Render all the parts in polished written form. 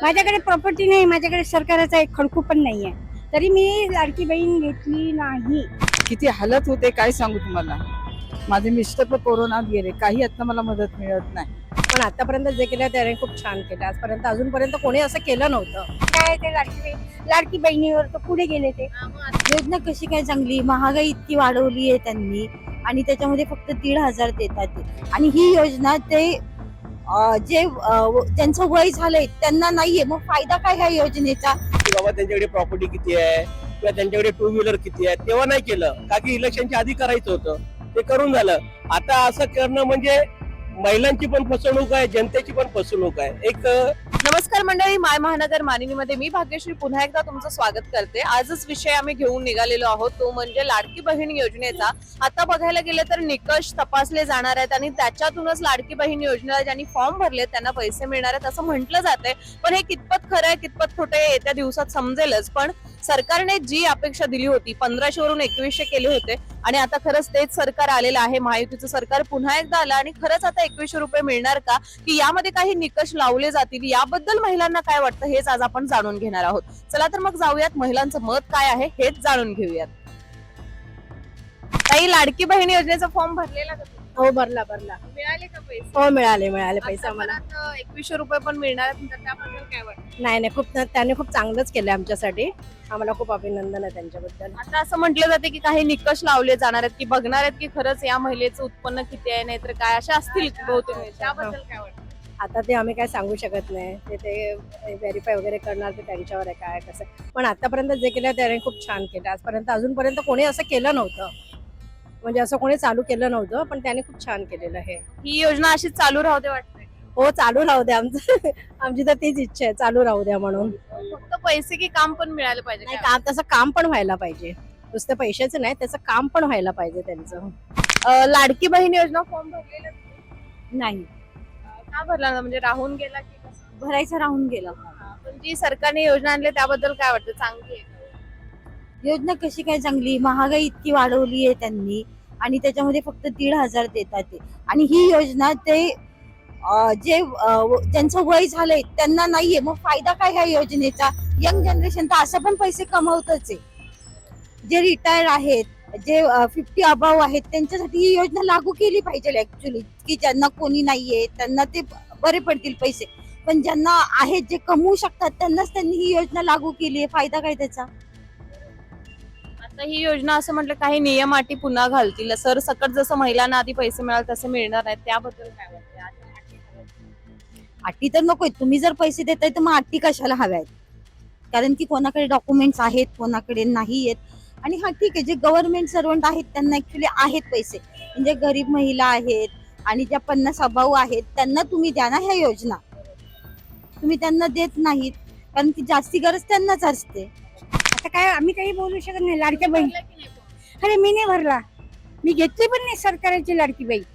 माझ्याकडे प्रॉपर्टी नाही, माझ्याकडे सरकाराचा एक खडकू पण नाहीये, तरी मी लाडकी बहीण घेतली नाही. किती हालत होते काय सांगू तुम्हाला. माझे मिस्टर पण कोरोनात गेले, काही आता मला मदत मिळत नाही. पण आतापर्यंत जे केलं त्याने खूप छान केलं. आजपर्यंत अजूनपर्यंत कोणी असं केलं नव्हतं. काय ते लाडकी बहिणीवर तर पुढे गेले ते. योजना कशी काय चांगली, महागाई इतकी वाढवली आहे त्यांनी आणि त्याच्यामध्ये फक्त 1,500 देतात ते. आणि ही योजना ते त्यांचं वय झालंय त्यांना नाहीये, मग फायदा काय ह्या योजनेचा. की बाबा त्यांच्याकडे प्रॉपर्टी किती आहे किंवा त्यांच्याकडे टू व्हीलर किती आहे, तेव्हा नाही केलं का की इलेक्शनच्या आधी करायचं होतं, ते करून झालं. आता असं करणं म्हणजे महिलांची पण फसवणूक आहे, जनतेची पण फसवणूक आहे. एक नमस्कार मंडळी, माय महानगर मानिनीमध्ये मी भाग्यश्री पुन्हा एकदा तुमचं स्वागत करते. आजच विषय आम्ही घेऊन निघालेलो आहोत, तो म्हणजे लाडकी बहीण योजनेचा. आता बघायला गेले तर निकष तपासले जाणार आहेत आणि त्याच्यातूनच लाडकी बहीण योजनेला ज्यांनी फॉर्म भरले त्यांना पैसे मिळणार आहेत असं म्हटलं जातंय. पण हे कितपत खरं आहे कितपत खोटं आहे येत्या दिवसात समजेलच. पण सरकारने जी अपेक्षा दिली होती 1500 वरून 2100 केले होते आणि आता खरंच तेच सरकार आलेलं आहे. महायुतीचं सरकार पुन्हा एकदा आलं आणि खरंच आता 2100 रुपये मिळणार का, की यामध्ये काही निकष लावले जातील, याबद्दल महिलांना काय वाटतं हेच आज आपण जाणून घेणार आहोत. चला तर मग जाऊयात, महिलांचं मत काय आहे हेच जाणून घेऊयात. काही लाडकी बहीण योजनेचा फॉर्म भरलेला का तुम्ही? हो, भरला. मिळाले का पैसे? हो, मिळाले पैसे आम्हाला. आता 2100 रुपये पण मिळणार आहेत, तर त्याबद्दल काय वाटतं? नाही, खूप त्याने खूप चांगलंच केलं आमच्यासाठी. आम्हाला खूप अभिनंदन आहे त्यांच्याबद्दल. आता असं म्हटलं जाते की काही निकष लावले जाणार आहेत, की बघणार आहेत की खरंच या महिलेचं उत्पन्न किती आहे, नाहीतर काय अशा असतील बहुतेक. त्याबद्दल काय वाटतं? आता ते आम्ही काय सांगू शकत नाही. ते व्हेरीफाय वगैरे करणार, ते त्यांच्यावर आहे काय कसं. पण आतापर्यंत जे केलं त्याने खूप छान केलं. आजपर्यंत अजूनपर्यंत कोणी असं केलं नव्हतं, म्हणजे असं कोणी चालू केलं नव्हतं, पण त्याने खूप छान केलेलं आहे. ही योजना अशीच चालू राहते वाटतंय. हो, चालू राहू द्या. आमची तर तीच इच्छा आहे, चालू राहू द्या म्हणून. फक्त पैसे की काम पण मिळालं पाहिजे नाही, काय? तसं काम पण व्हायला पाहिजे. नुसतं पैशाचं नाही, त्याचं काम पण व्हायला पाहिजे त्यांचं. लाडकी बहीण योजना फॉर्म भरलेला नाही, का भरला ना, म्हणजे राहून गेला की कसं? भरायचं राहून गेलं. पण जी सरकारने योजना आणली त्याबद्दल काय वाटतं, चांगली आहे का? योजना कशी काय चांगली, महागाई इतकी वाढवली आहे त्यांनी आणि त्याच्यामध्ये फक्त 1,500 देतात ते. आणि ही योजना ते त्यांचं वय झालंय त्यांना नाहीये, मग फायदा काय ह्या योजनेचा. यंग जनरेशन तर असं पण पैसे कमवतच आहे. जे रिटायर आहेत, जे 50 अबाव आहेत, त्यांच्यासाठी ही योजना लागू केली पाहिजे ऍक्च्युली, की ज्यांना कोणी नाहीये त्यांना ते बरे पडतील पैसे. पण ज्यांना आहेत, जे कमवू शकतात, त्यांनाच त्यांनी ही योजना लागू केली आहे. फायदा काय त्याचा. आता ही योजना असं म्हटलं काही नियम अटी पुन्हा घालतील, सर सकट जसं महिलांना आधी पैसे मिळाल तसे मिळणार नाहीत, त्याबद्दल काय वाटतं? अटी तर नकोय. तुम्ही जर पैसे देताय तर मग अटी कशाला हव्यात. कारण की कोणाकडे डॉक्युमेंट्स आहेत, कोणाकडे नाही आहेत. आणि हा ठीक आहे, जे गव्हर्नमेंट सर्वंट आहेत त्यांना ऍक्च्युली आहेत पैसे, म्हणजे गरीब महिला आहेत आणि ज्या 50 अभाऊ आहेत त्यांना तुम्ही द्या ना ह्या योजना. तुम्ही त्यांना देत नाहीत, कारण की जास्ती गरज त्यांनाच असते. आता काय आम्ही काही बोलू शकत नाही. लाडक्या बहीण, अरे मी नाही भरला, मी घेतली पण नाही सरकारची लाडकी बहीण.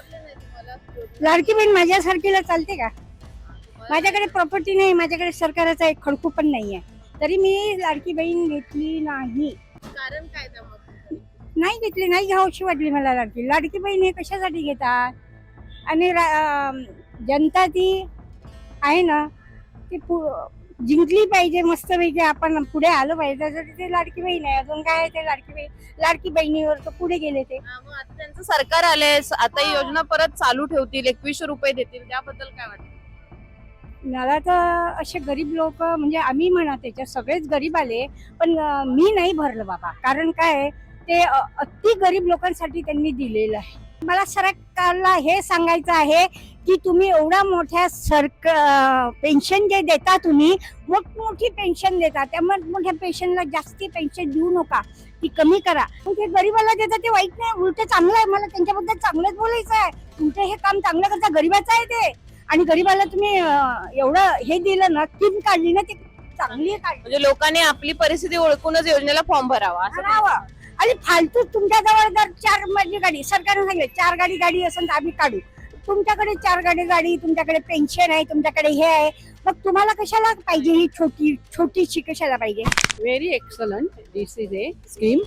लाडकी बहीण माझ्यासारखीला चालते का? माझ्याकडे प्रॉपर्टी नाही, माझ्याकडे सरकाराचा एक खडकू पण नाहीये, तरी मी लाडकी बहीण घेतली नाही. कारण काय त्यामध्ये? नाही घेतली, नाही घ्यावीशी वाटली मला लाडकी बहीण. हे कशासाठी घेतात? आणि जनता ती आहे ना, ती जिंकली पाहिजे मस्तपैकी, आपण पुढे आलो पाहिजे, त्यासाठी ते लाडकी बहीण आहे. अजून काय आहे ते लाडकी बहिणीवर तर पुढे गेले ते. मग आता त्यांचं सरकार आलंय, आता ही योजना परत चालू ठेवतील, 2100 रुपये देतील, त्याबद्दल काय वाटतं? मला तर असे गरीब लोक, म्हणजे आम्ही म्हणा त्याच्यात सगळेच गरीब आले, पण मी नाही भरलं बाबा. कारण काय, ते अति गरीब लोकांसाठी त्यांनी दिलेलं आहे. मला सरकारला हे सांगायचं आहे की तुम्ही एवढ्या मोठ्या पेन्शन जे देता, तुम्ही मोठी पेन्शन देता, त्या मोठ्या पेन्शनला जास्ती पेन्शन देऊ नका, ती कमी करा. ते गरीबाला देतात ते वाईट नाही, उलट चांगलं आहे. मला त्यांच्याबद्दल चांगलंच बोलायचं आहे. तुमचं हे काम चांगलं करता, गरीबाचं आहे ते. आणि गरीबाला तुम्ही एवढं हे दिलं ना, स्कीम काढली ना, ती चांगली काढली. म्हणजे लोकांनी आपली परिस्थिती ओळखूनच योजनेला फॉर्म भरावा असं करावं. आणि फालतू तुमच्या जवळ जर 4 माझी गाडी, सरकारने सांगितलं 4 गाडी असेल तर आम्ही काढू. तुमच्याकडे 4 गाडी, तुमच्याकडे पेन्शन आहे, तुमच्याकडे हे आहे, मग तुम्हाला कशाला पाहिजे ही छोटीशी कशाला पाहिजे? Very excellent. This is a scheme.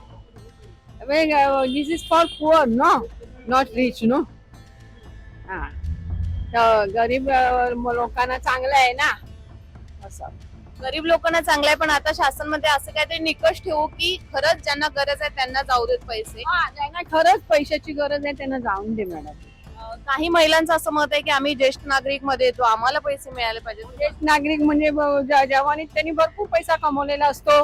This is for poor, no, not rich, no. तर गरीब लोकांना चांगलं आहे ना. गरीब लोकांना चांगलं आहे, पण आता शासनमध्ये असं काहीतरी निकष ठेवू की खरंच ज्यांना गरज आहे त्यांना जाऊ देत पैसे. ज्यांना खरंच पैशाची गरज आहे त्यांना जाऊन दे मॅडम. काही महिलांचं असं मत आहे की आम्ही ज्येष्ठ नागरिक मध्ये येतो, आम्हाला पैसे मिळाले पाहिजे. ज्येष्ठ नागरिक म्हणजे जवानीत त्यांनी भरपूर पैसा कमवलेला असतो.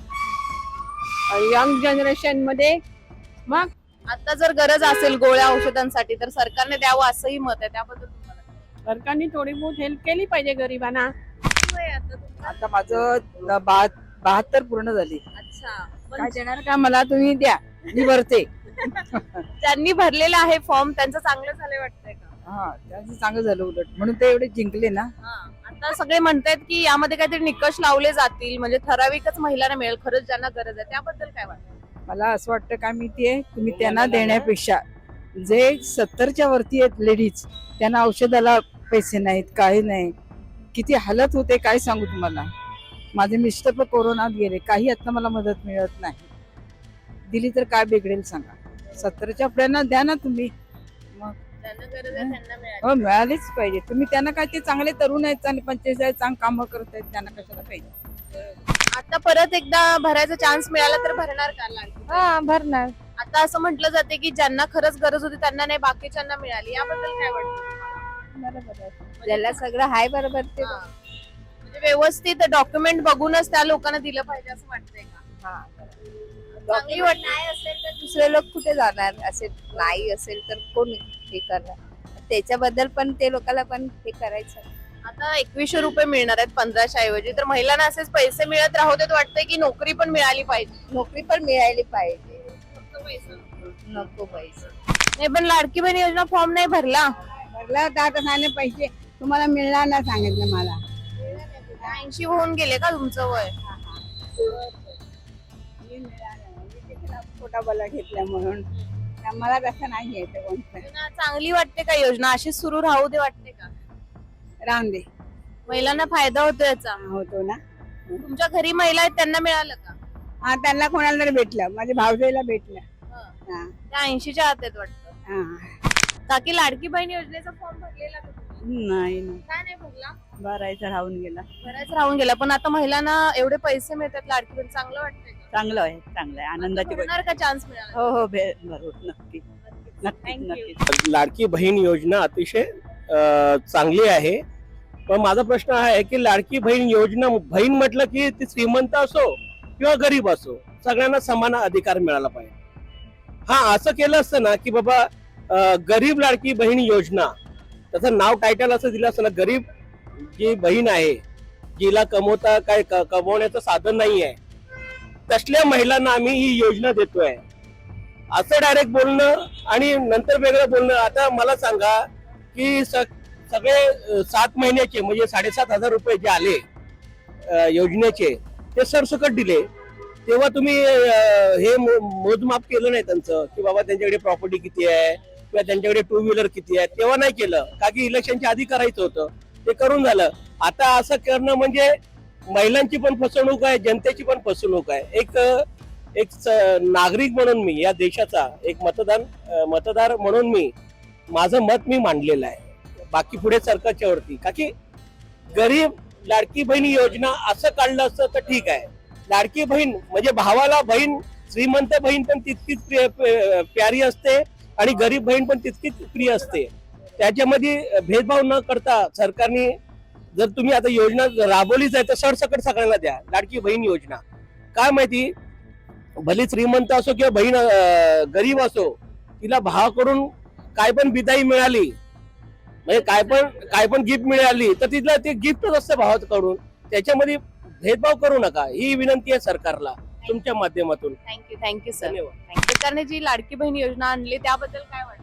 यंग जनरेशन मध्ये मग आता जर गरज असेल गोळ्या औषधांसाठी तर सरकारने द्यावं असंही मत आहे, त्याबद्दल तुम्हाला काय वाटतं? सरकारने थोडी बहुत हेल्प केली पाहिजे गरिबांना. किती वय आहे आता तुमचं? आता माझं 72 पूर्ण झाली. अच्छा, काय पण देणार का मला तुम्ही द्या, मी भरते. ज्यांनी भरलेला आहे फॉर्म त्यांचं चांगलं झालंय वाटतंय का? हा त्याचं चांगलं झालं उलट, म्हणून ते एवढे जिंकले ना. आता सगळे म्हणतायत की यामध्ये काहीतरी निकष लावले जातील म्हणजे ठराविकच महिलांना मिळेल खरंच ज्यांना गरज आहे, त्याबद्दल काय वाटतं? मला असं वाटतं काय माहितीये, तुम्ही त्यांना देण्यापेक्षा जे 70च्या वरती आहेत लेडीज, त्यांना औषधाला पैसे नाहीत, काही नाही, किती हालत होते काय सांगू तुम्हाला. माझे मिस्टर पण कोरोनात गेले, काही आता मला मदत मिळत नाही. दिली तर काय बिघडेल सांगा. 70च्या आपल्याला द्या ना तुम्ही. मग ज्यांना गरज आहे त्यांना मिळाली. हो मिळालीच पाहिजे. तुम्ही त्यांना काय, ते चांगले तरुण आहेत, चांगले 45 आहेत, चांगली कामं करत आहेत, त्यांना कशाला पाहिजे. आता परत एकदा भरायचा चान्स मिळाला तर भरणार का लाडकी? हा भरणार. आता असं म्हटलं जाते की ज्यांना खरंच गरज होती त्यांना नाही, बाकीच्यांना मिळाली, याबद्दल काय वाटतं? बरोबर आहे. ज्याला सगळं हाय बरोबर ते हा. म्हणजे व्यवस्थित डॉक्युमेंट बघूनच त्या लोकांना दिलं पाहिजे असं वाटतंय का? चांगली वाटत नाही असेल तर दुसरे लोक कुठे जाणार, असेल नाही असेल तर कोण हे करणार. त्याच्याबद्दल पण ते लोकांना पण हे करायचं. आता 2100 रुपये मिळणार आहेत 1500 ऐवजी, तर महिलांना असेच पैसे मिळत राहू देत वाटतंय की नोकरी पण मिळाली पाहिजे? नोकरी पण मिळाली पाहिजे, फक्त पैसे नको पैसे. नाही, पण लाडकी बहीण योजना फॉर्म नाही भरला. भरला तर आता सांगितलं पैसे तुम्हाला मिळणार ना, सांगितलं मला. 80 होऊन गेले का तुमचं वय? छोटा बला घेतला म्हणून मला तसं नाही घ्यायचं कोणतं. योजना चांगली वाटते का? योजना अशी सुरू राहू दे वाटते का? राहून दे, महिलांना फायदा होतो याचा. होतो ना. तुमच्या घरी महिला आहेत त्यांना मिळालं का? हा त्यांना कोणाला तरी भेटलं, माझ्या भावजाईला भेटलं. हा त्या 80च्या आत आहेत वाटतं. हा. काकी लाडकी बहीण योजनेचा फॉर्म भरलेला का तुम्ही? नाही काय नाही भरला? भरायचं राहून गेला. बराच राहून गेला, पण आता महिलांना एवढे पैसे मिळतात लाडकी बहीण, चांगलं वाटतंय का? चांगलं आहे, चांगलं आहे, आनंदाची गोष्ट. भरणार का चान्स मिळाला? हो हो भरू नक्की नक्की थँक्यू. नक्की. लाडकी बहीण योजना अतिशय चांगली आहे. पण माझा प्रश्न हा आहे की लाडकी बहीण योजना, बहीण म्हटलं की ती श्रीमंत असो किंवा गरीब असो, सगळ्यांना समान अधिकार मिळाला पाहिजे. हा असं केलं असतं ना की बाबा गरीब लाडकी बहीण योजना, त्याचं नाव टायटल असं दिलं असतं ना, गरीब जी बहीण आहे जिला कमवता काय कमवण्याचं साधन नाही आहे, तसल्या महिलांना आम्ही ही योजना देतोय असं डायरेक्ट बोलणं आणि नंतर वेगळं बोलणं. आता मला सांगा की सगळे 7 महिन्याचे म्हणजे 7,500 रुपये जे आले योजनेचे, ते सरसकट दिले. तेव्हा तुम्ही हे मोजमाप केलं नाही त्यांचं की बाबा त्यांच्याकडे प्रॉपर्टी किती आहे किंवा त्यांच्याकडे 2 व्हीलर किती आहे, तेव्हा नाही केलं. का की इलेक्शनच्या आधी करायचं होतं, ते करून झालं. आता असं करणं म्हणजे महिलांची पण फसवणूक आहे, जनतेची पण फसवणूक आहे. एक नागरिक म्हणून मी या देशाचा एक मतदार म्हणून मी माझं मत मी मांडलेलं आहे, बाकी पुढे सरकारच्या वरती. का की गरीब लाडकी बहीण योजना असं काढलं असतं तर ठीक आहे. लाडकी बहीण म्हणजे भावाला बहीण, श्रीमंत बहीण पण तितकीच प्यारी असते आणि गरीब बहीण पण तितकीच प्रिय असते. त्याच्यामध्ये भेदभाव न करता सरकारने जर तुम्ही आता योजना राबवलीच आहे तर सरसकट सगळ्यांना द्या लाडकी बहीण योजना. काय माहिती, भले श्रीमंत असो किंवा बहीण गरीब असो, तिला भावाकडून काय पण बिदाई मिळाली म्हणजे काय पण गिफ्ट मिळाली तर तिला ते गिफ्टच असतं भावाकडून. त्याच्यामध्ये भेदभाव करू नका, ही विनंती आहे सरकारला तुमच्या माध्यमातून. Thank you sir. धन्यवाद. सरकारने जी लाडकी बहीण योजना आणली त्याबद्दल काय वाटतं?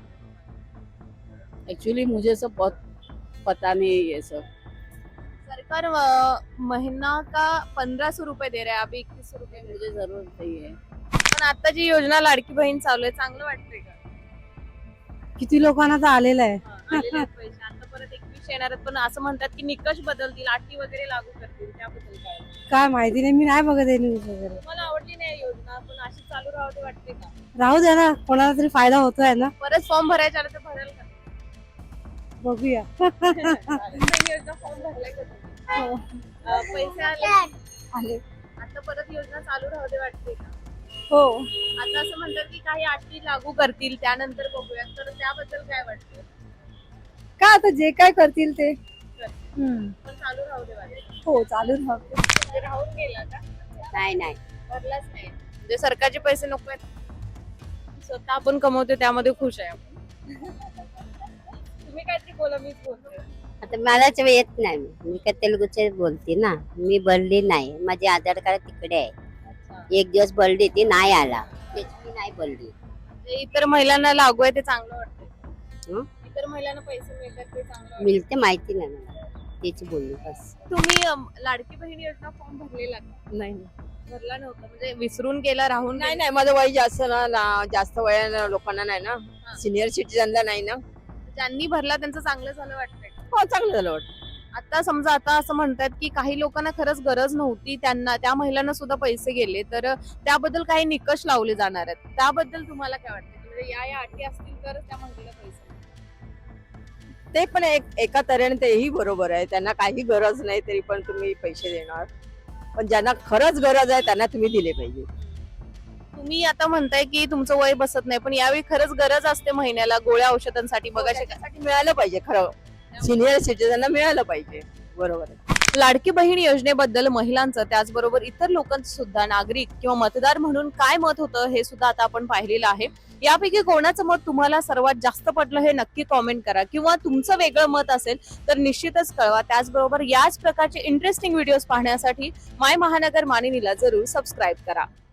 एक्चुअली मुझे सब बहुत पता नहीं ये सब. सरकार महीना का 1500 रुपये दे रहा है, अभी 2100 रुपये मुझे जरूरत नहीं है. पण आता जी योजना लाडकी बहीण चालू आहे चांगलं वाटतंय का? किती लोकांना तर आलेलं आहे. आलेले आहेत पैसे, आता परत 2100 येणार आहेत, पण असं म्हणतात की निकष बदलतील, अटी वगैरे लागू करतील, त्याबद्दल काय? काय माहिती नाही, मी नाही बघत आहे न्यूज वगैरे. मला आवडली नाही योजना, पण अशी चालू राहू दे वाटते का? राहू द्या ना, कोणाला तरी फायदा होतोय ना. परत फॉर्म भरायचा आला तर भराल का? बघूया. योजना फॉर्म भरलाय का तुम्ही? पैसे आले आले आता परत योजना चालू राहू दे वाटते का? हो आता असं म्हणतात की काही अटी लागू करतील त्यानंतर बघूयात, तर त्याबद्दल काय वाटतं? का आता जे काय करतील ते पण चालू राहू दे वाटतं. हो चालू राहते म्हणजे राहून गेला का? नाही भरलाच नाही म्हणजे सरकारचे पैसे नको आहेत, स्वतः आपण कमवतो त्यामध्ये खुश आहे आपण. तुम्ही काहीतरी बोला, मीच बोलते. आता मलाच येत नाही, मी का तेलुगूचे बोलते ना, मी भरली नाही, माझे आधार कार्ड तिकडे आहे. एक दिवस भरली ती नाही आला, त्याची मी नाही भरली. जे इतर महिलांना लागू आहे ते चांगलं वाटतं. हं? इतर महिलांना पैसे मिळतात ते चांगलं वाटतं. मिळते माहिती नाही मला, त्याची बोलली बस. तुम्ही लाडकी बहीण योजना फॉर्म भरलेला का? नाही भरला नव्हता म्हणजे विसरून गेला, राहून नाही गेला? नाही माझं वय जास्त जास्त वया लोकांना नाही ना, सिनियर सिटीजनला नाही ना. ज्यांनी भरला त्यांचं चांगलं झालं वाटतंय. हो चांगलं झालं वाटतं. आता समजा आता असं म्हणतात की काही लोकांना खरंच गरज नव्हती, त्यांना त्या महिलांना सुद्धा पैसे गेले, तर त्याबद्दल काही निकष लावले जाणार आहेत. त्याबद्दल तुम्हाला काय वाटतं? म्हणजे या अटी असतील तरच त्या महिलेला पैसे मिळतील. ते पण एका तऱ्हेने तेही बरोबर आहे, त्यांना काही गरज नाही तरी पण तुम्ही पैसे देणार, पण ज्यांना खरंच गरज आहे त्यांना तुम्ही दिले पाहिजे. तुम्ही आता म्हणताय की तुमचं वय बसत नाही, पण यावेळी खरंच गरज असते महिन्याला गोळ्या औषधांसाठी. बघा त्याच्यासाठी मिळालं पाहिजे, खरं सिनियर सिटीजनला मिळालं पाहिजे. बरोबर आहे. लाडकी बहीण योजनेबद्दल महिलांचं त्याचबरोबर इतर लोकांचं सुद्धा नागरिक किंवा मतदार म्हणून काय मत होतं हे सुद्धा आता आपण पाहिलेलं आहे. यापैकी कोणाचं मत तुम्हाला सर्वात जास्त पटलं हे नक्की कॉमेंट करा, किंवा तुमचं वेगळं मत असेल तर निश्चितच कळवा. त्याचबरोबर याच प्रकारचे इंटरेस्टिंग व्हिडिओज पाहण्यासाठी माय महानगर मानिनीला जरूर सबस्क्राईब करा.